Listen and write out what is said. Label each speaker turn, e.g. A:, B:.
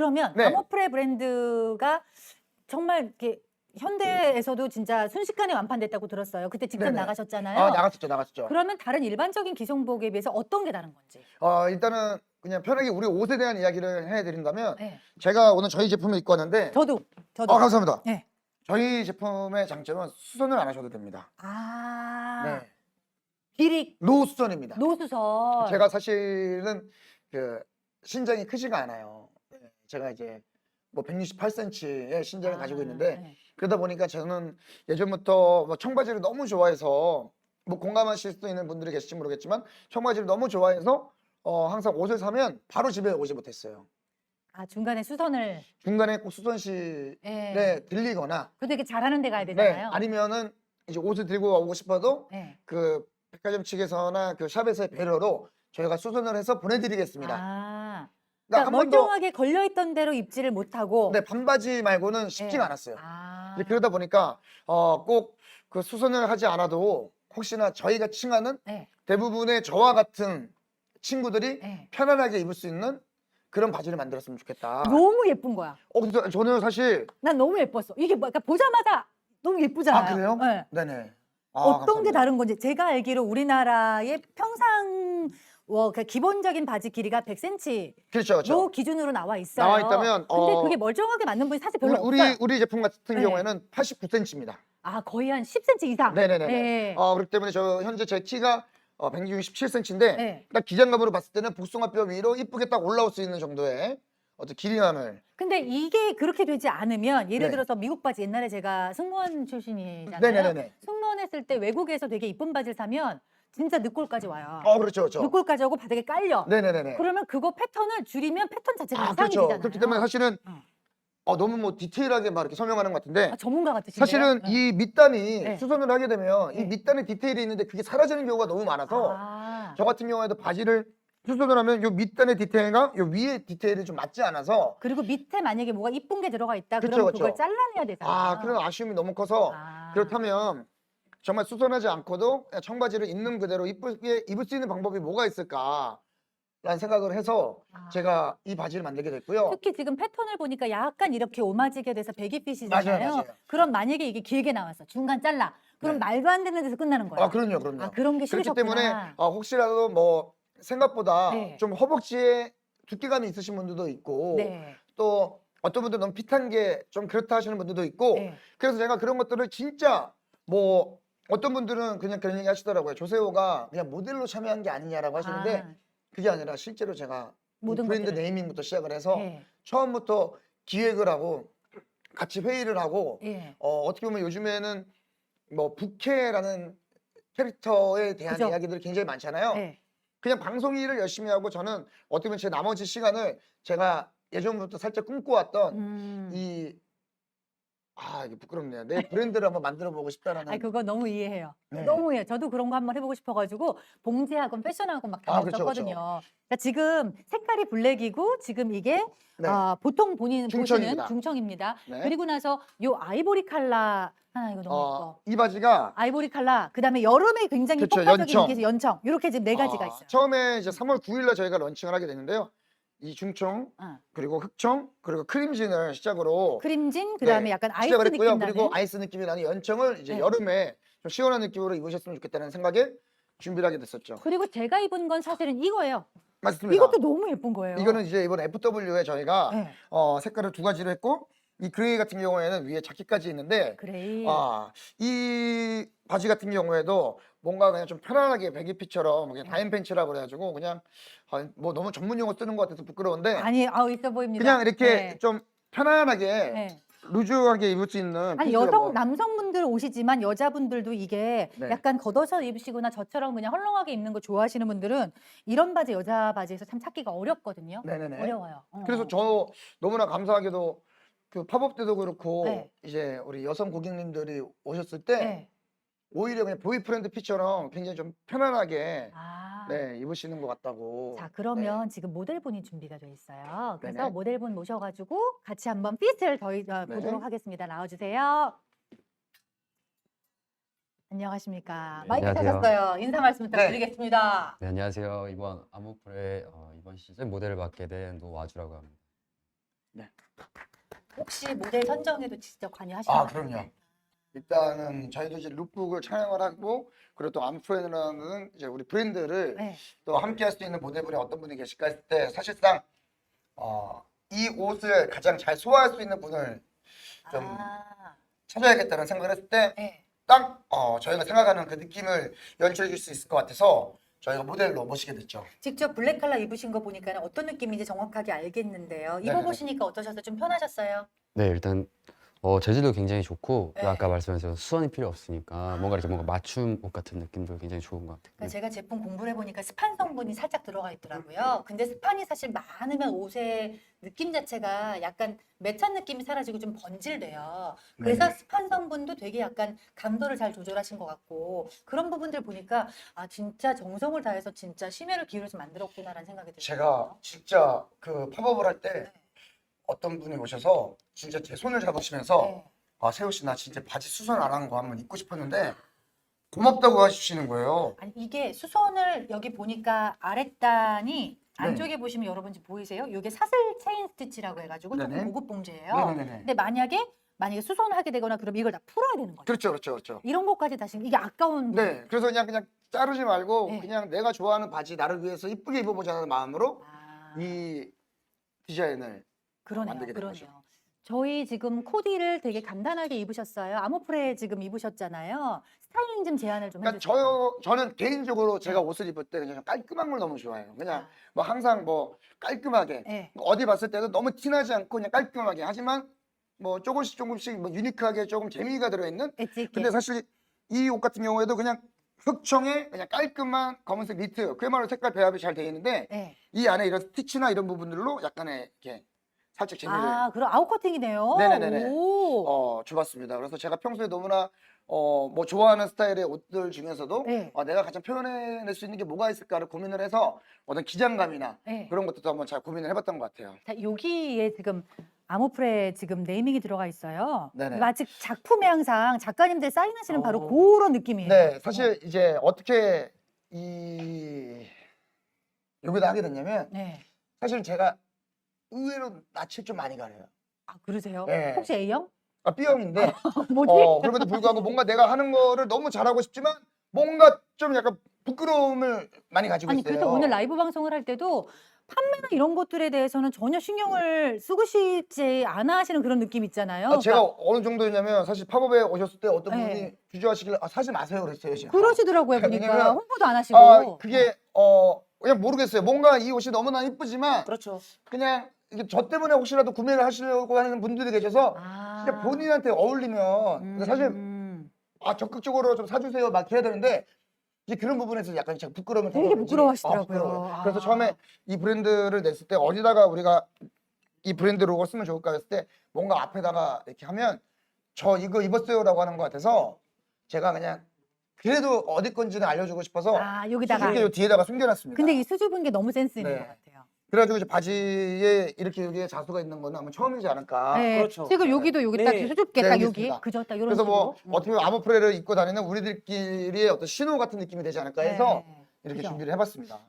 A: 그러면
B: 네.
A: 아모프레 브랜드가 정말 이렇게 현대에서도 진짜 순식간에 완판됐다고 들었어요. 그때 직접
B: 네네.
A: 나가셨잖아요.
B: 나갔었죠.
A: 그러면 다른 일반적인 기성복에 비해서 어떤 게 다른 건지.
B: 일단은 그냥 편하게 우리 옷에 대한 이야기를 해드린다면
A: 네.
B: 제가 오늘 저희 제품을 입고 왔는데
A: 저도.
B: 감사합니다.
A: 네.
B: 저희 제품의 장점은 수선을 안 하셔도 됩니다.
A: 아,
B: 네.
A: 길이
B: 노수선입니다.
A: 노수선.
B: 제가 사실은 그 신장이 크지가 않아요. 네, 제가 이제 뭐 168cm의 신장을 가지고 있는데
A: 네.
B: 그러다 보니까 저는 예전부터 뭐 청바지를 너무 좋아해서 뭐 공감하실 수도 있는 분들이 계실지 모르겠지만 청바지를 너무 좋아해서 항상 옷을 사면 바로 집에 오지 못했어요.
A: 아, 중간에 수선을.
B: 중간에 꼭 수선실에
A: 네.
B: 들리거나
A: 그것도 이렇게 잘하는 데 가야
B: 네,
A: 되잖아요.
B: 아니면은 이제 옷을 들고 오고 싶어도
A: 네.
B: 그 백화점 측에서나 그 샵에서의 배려로 저희가 수선을 해서 보내드리겠습니다.
A: 아,
B: 그러니까
A: 그러니까
B: 한 번도
A: 멀쩡하게 걸려있던 대로 입지를 못하고.
B: 네, 반바지 말고는 쉽지가
A: 네.
B: 않았어요.
A: 아,
B: 이제 그러다 보니까 꼭 그 수선을 하지 않아도 혹시나 저희가 칭하는
A: 네.
B: 대부분의 저와 같은 친구들이
A: 네.
B: 편안하게 입을 수 있는 그런 바지를 만들었으면 좋겠다.
A: 너무 예쁜 거야.
B: 근데 저는 사실
A: 난 너무 예뻤어. 이게 뭐, 그러니까 보자마자 너무 예쁘잖아요.
B: 그래요?
A: 네.
B: 네네.
A: 어떤 게
B: 감사합니다.
A: 다른 건지. 제가 알기로 우리나라의 평상 그러니까 기본적인 바지 길이가 100cm
B: 그렇죠.
A: 기준으로 나와 있어요.
B: 나와 있다면
A: 근데 그게 멀쩡하게 맞는 분이 사실 별로 없어요.
B: 우리 제품 같은
A: 네.
B: 경우에는 89cm입니다.
A: 아, 거의 한 10cm 이상.
B: 네네네.
A: 네.
B: 그렇기 때문에 저 현재 제 키가 167cm인데
A: 네.
B: 딱 기장감으로 봤을 때는 복숭아뼈 위로 이쁘게 딱 올라올 수 있는 정도의 어떤 길이감을.
A: 근데 이게 그렇게 되지 않으면 예를
B: 네.
A: 들어서 미국 바지 옛날에 제가 승무원 출신이잖아요.
B: 네네네.
A: 승무원 했을 때 외국에서 되게 이쁜 바지를 사면 진짜 늑골까지 와요.
B: 그렇죠.
A: 늑골까지 오고 바닥에 깔려.
B: 네네네.
A: 그러면 그거 패턴을 줄이면 패턴 자체가 이상이
B: 그렇죠.
A: 되잖아요.
B: 그렇기 때문에 사실은 너무 뭐 디테일하게 막 이렇게 설명하는 것 같은데
A: 전문가 같으신데요?
B: 사실은
A: 네.
B: 이 밑단이
A: 네.
B: 수선을 하게 되면 이
A: 네.
B: 밑단에 디테일이 있는데 그게 사라지는 경우가 너무 많아서
A: 아,
B: 저 같은 경우에도 바지를 수선을 하면 요 밑단의 디테일과 요 위의 디테일이 좀 맞지 않아서
A: 그리고 밑에 만약에 뭐가 이쁜 게 들어가 있다
B: 그쵸,
A: 그러면
B: 그쵸.
A: 그걸 잘라내야 되잖아요.
B: 그런 아쉬움이 너무 커서
A: 아.
B: 그렇다면 정말 수선하지 않고도 그냥 청바지를 있는 그대로 이쁘게 입을 수 있는 방법이 뭐가 있을까라는 생각을 해서 제가 이 바지를 만들게 됐고요.
A: 특히 지금 패턴을 보니까 약간 이렇게 오마지게 돼서 베기핏이잖아요.
B: 맞아요.
A: 그럼 만약에 이게 길게 나왔어. 중간 잘라. 그럼
B: 네.
A: 말도 안 되는 데서 끝나는 거예요.
B: 그럼요.
A: 아, 그런 게
B: 그렇기
A: 싫으셨구나.
B: 때문에 혹시라도 뭐 생각보다
A: 네.
B: 좀 허벅지에 두께감이 있으신 분들도 있고
A: 네.
B: 또 어떤 분들은 너무 핏한 게 좀 그렇다 하시는 분들도 있고
A: 네.
B: 그래서 제가 그런 것들을 진짜 뭐 어떤 분들은 그냥 그런 얘기 하시더라고요. 조세호가 그냥 모델로 참여한 게 아니냐라고 하시는데 그게 아니라 실제로 제가 이
A: 모든
B: 브랜드
A: 것들을.
B: 네이밍부터 시작을 해서
A: 네.
B: 처음부터 기획을 하고 같이 회의를 하고
A: 네.
B: 어떻게 보면 요즘에는 뭐 부캐라는 캐릭터에 대한
A: 그죠.
B: 이야기들이 굉장히 많잖아요.
A: 네.
B: 그냥 방송 일을 열심히 하고 저는 어떻게 보면 제 나머지 시간을 제가 예전부터 살짝 꿈꿔왔던 이게 부끄럽네요. 내 브랜드를 한번 만들어 보고 싶다라는.
A: 아니, 그거 너무 이해해요.
B: 네.
A: 너무 이해해요. 저도 그런 거 한번 해보고 싶어가지고 봉제학원, 패션학원 막
B: 그쵸,
A: 다녔었거든요. 그러니까 지금 색깔이 블랙이고 지금 이게
B: 네.
A: 보통 본인
B: 중청입니다.
A: 보시는 중청입니다.
B: 네.
A: 그리고 나서 요 아이보리 칼라 하나 이거 너무 예뻐.
B: 이 바지가
A: 아이보리 칼라 그다음에 여름에 굉장히
B: 그쵸,
A: 폭발적인
B: 연청.
A: 인기에서 연청 이렇게 지금 네 가지가 있어요.
B: 처음에 이제 3월 9일날 저희가 런칭을 하게 됐는데요. 이 중청 그리고 흑청 그리고 크림진을 시작으로
A: 크림진 그다음에 약간 아이스
B: 시작을
A: 느낌
B: 했고요.
A: 나는.
B: 그리고 아이스 느낌이 나는 연청을 이제
A: 네.
B: 여름에 좀 시원한 느낌으로 입으셨으면 좋겠다는 생각에 준비를 하게 됐었죠.
A: 그리고 제가 입은 건 사실은 이거예요.
B: 맞습니다.
A: 이것도 너무 예쁜 거예요.
B: 이거는 이제 이번 FW에 저희가
A: 네.
B: 색깔을 두 가지로 했고 이 그레이 같은 경우에는 위에 자켓까지 있는데
A: 그레이.
B: 이 바지 같은 경우에도 뭔가 그냥 좀 편안하게 배기핏처럼 그냥 다임 팬츠라고 그래가지고 그냥 뭐 너무 전문 용어 쓰는 것 같아서 부끄러운데
A: 아니, 있어 보입니다.
B: 그냥 이렇게
A: 네.
B: 좀 편안하게
A: 네.
B: 루즈하게 입을 수 있는
A: 아니,
B: 핏으로 뭐.
A: 남성분들 옷이지만 여자분들도 이게
B: 네.
A: 약간 걷어서 입으시거나 저처럼 그냥 헐렁하게 입는 거 좋아하시는 분들은 이런 바지 여자 바지에서 참 찾기가 어렵거든요.
B: 네네네.
A: 어려워요.
B: 그래서 저 너무나 감사하게도 그 팝업 때도 그렇고
A: 네.
B: 이제 우리 여성 고객님들이 오셨을 때
A: 네.
B: 오히려 그냥 보이프렌드 핏처럼 굉장히 좀 편안하게
A: 아.
B: 입으시는 것 같다고.
A: 자, 그러면 지금 모델분이 준비가 돼 있어요. 그래서
B: 네네.
A: 모델분 모셔가지고 같이 한번 핏을 보도록 하겠습니다. 나와주세요. 안녕하십니까.
C: 네,
A: 마이크
C: 안녕하세요.
A: 찾았어요. 인사 말씀 부탁드리겠습니다.
C: 네, 안녕하세요. 이번 아모프레 이번 시즌 모델을 맡게 된 노와주라고 합니다.
A: 혹시 모델 선정에도 직접
B: 아,
A: 관여하시나요?
B: 그럼요. 일단은 저희도 이제 룩북을 촬영을 하고 그리고 또 암프렌이라는 이제 우리 브랜드를
A: 네.
B: 또 함께 할 수 있는 모델분이 어떤 분이 계실까 했을 때 사실상 이 옷을 가장 잘 소화할 수 있는 분을 좀
A: 아,
B: 찾아야겠다는 생각을 했을 때
A: 네.
B: 딱 저희가 생각하는 그 느낌을 연출해 줄 수 있을 것 같아서 저희가 모델로 모시게 됐죠.
A: 직접 블랙 컬러 입으신 거 보니까 어떤 느낌인지 정확하게 알겠는데요.
B: 네네네.
A: 입어보시니까 어떠셨어요? 좀 편하셨어요?
C: 네, 일단 재질도 굉장히 좋고
A: 네.
C: 아까 말씀하신 수선이 필요 없으니까 뭔가 이렇게 뭔가 맞춤 옷 같은 느낌도 굉장히 좋은 것 같아요.
A: 그러니까 제가 제품 공부를 해보니까 스판 성분이 살짝 들어가 있더라고요. 근데 스판이 사실 많으면 옷의 느낌 자체가 약간 매찬 느낌이 사라지고 좀 번질돼요. 그래서
B: 네네.
A: 스판 성분도 되게 약간 감도를 잘 조절하신 것 같고 그런 부분들 보니까 아 진짜 정성을 다해서 진짜 심혈을 기울여서 만들었구나라는 생각이 들어요.
B: 제가 진짜 그 팝업을 할 때
A: 네.
B: 어떤 분이 오셔서 진짜 제 손을 잡으시면서
A: 네.
B: 세호 씨 나 진짜 바지 수선 안 한 거 한번 입고 싶었는데 고맙다고 하시는 거예요.
A: 아니 이게 수선을 여기 보니까 아랫단이
B: 네.
A: 안쪽에 보시면 여러분 지금 보이세요? 이게 사슬 체인 스티치라고 해가지고
B: 네네.
A: 조금 고급 봉제예요.
B: 네네네.
A: 근데 만약에 수선하게 되거나 그러면 이걸 다 풀어야 되는 거죠.
B: 그렇죠, 그렇죠, 그렇죠.
A: 이런 것까지 다시 이게 아까운
B: 네, 그래서 그냥 자르지 말고
A: 네.
B: 그냥 내가 좋아하는 바지 나를 위해서 이쁘게 입어보자는 마음으로
A: 아,
B: 이 디자인을
A: 그러네요.
B: 만들게 된
A: 그러네요. 저희 지금 코디를 되게 간단하게 입으셨어요. 아모프레 지금 입으셨잖아요. 스타일링 좀 제안을 좀
B: 그러니까
A: 해주세요.
B: 저는 개인적으로 제가
A: 네.
B: 옷을 입을 때 그냥 깔끔한 걸 너무 좋아해요. 그냥
A: 아,
B: 뭐 항상 뭐 깔끔하게
A: 네.
B: 어디 봤을 때도 너무 티나지 않고 그냥 깔끔하게 하지만 뭐 조금씩 뭐 유니크하게 조금 재미가 들어있는.
A: 엣지 있게.
B: 근데 사실 이 옷 같은 경우에도 그냥 흑청에 그냥 깔끔한 검은색 니트 그야말로 색깔 배합이 잘 되어 있는데
A: 네.
B: 이 안에 이런 스티치나 이런 부분들로 약간의 이렇게 살짝 재미를
A: 아, 그럼 아웃커팅이네요.
B: 네네네네.
A: 오.
B: 줘봤습니다. 그래서 제가 평소에 너무나 뭐 좋아하는 스타일의 옷들 중에서도
A: 네.
B: 내가 가장 표현해낼 수 있는 게 뭐가 있을까를 고민을 해서 어떤 기장감이나
A: 네.
B: 그런 것들도 한번 잘 고민을 해봤던 것 같아요.
A: 자, 여기에 지금 아모프레 지금 네이밍이 들어가 있어요.
B: 네네.
A: 마치 작품에 항상 작가님들 사인하시는 바로
B: 어.
A: 그런 느낌이에요.
B: 네, 사실 이제 어떻게 여기다 하게 됐냐면
A: 네.
B: 사실 제가 의외로 낯을 좀 많이 가려요.
A: 아, 그러세요?
B: 네.
A: 혹시 A형?
B: B형인데
A: 뭐지?
B: 그럼에도 불구하고 뭔가 내가 하는 거를 너무 잘하고 싶지만 뭔가 좀 약간 부끄러움을 많이 가지고
A: 아니,
B: 있어요.
A: 그래서 오늘 라이브 방송을 할 때도 판매나 이런 것들에 대해서는 전혀 신경을 쓰고 싶지 않아 하시는 그런 느낌 있잖아요.
B: 제가 어느 정도였냐면 사실 팝업에 오셨을 때 어떤
A: 네.
B: 분이 주저하시길래 사지 마세요 그랬어요. 제가.
A: 그러시더라고요, 보니까.
B: 왜냐면
A: 홍보도 안 하시고.
B: 그게 그냥 모르겠어요. 뭔가 이 옷이 너무나 이쁘지만
A: 그렇죠.
B: 그냥 이게 저 때문에 혹시라도 구매를 하시려고 하는 분들이 계셔서
A: 아.
B: 진짜 본인한테 어울리면 사실 적극적으로 좀 사주세요 막 해야 되는데 이제 그런 부분에서 약간 제가 부끄러움을
A: 되게
B: 타서 그런지,
A: 부끄러워하시더라고요.
B: 부끄러워요. 그래서
A: 아.
B: 처음에 이 브랜드를 냈을 때 어디다가 우리가 이 브랜드 로고 쓰면 좋을까 했을 때 뭔가 앞에다가 이렇게 하면 저 이거 입었어요라고 하는 것 같아서 제가 그냥 그래도 어디 건지는 알려주고 싶어서
A: 아, 여기다가.
B: 수줍게 요 뒤에다가 숨겨놨습니다.
A: 근데 이 수줍은 게 너무 센스 있는
B: 네.
A: 것 같아요.
B: 그래가지고 이제 바지에 이렇게 여기에 자수가 있는 거는 아마 처음이지 않을까.
A: 네.
D: 그렇죠.
A: 지금 여기도 여기 딱
D: 네.
A: 수줍게
B: 네,
A: 딱
B: 여기
A: 여기.
B: 있습니다.
A: 그죠? 딱 이런
B: 그래서 뭐
A: 식으로.
B: 어떻게 보면 아모프레를 입고 다니는 우리들끼리의 어떤 신호 같은 느낌이 되지 않을까 해서
A: 네.
B: 이렇게
A: 그죠?
B: 준비를 해봤습니다.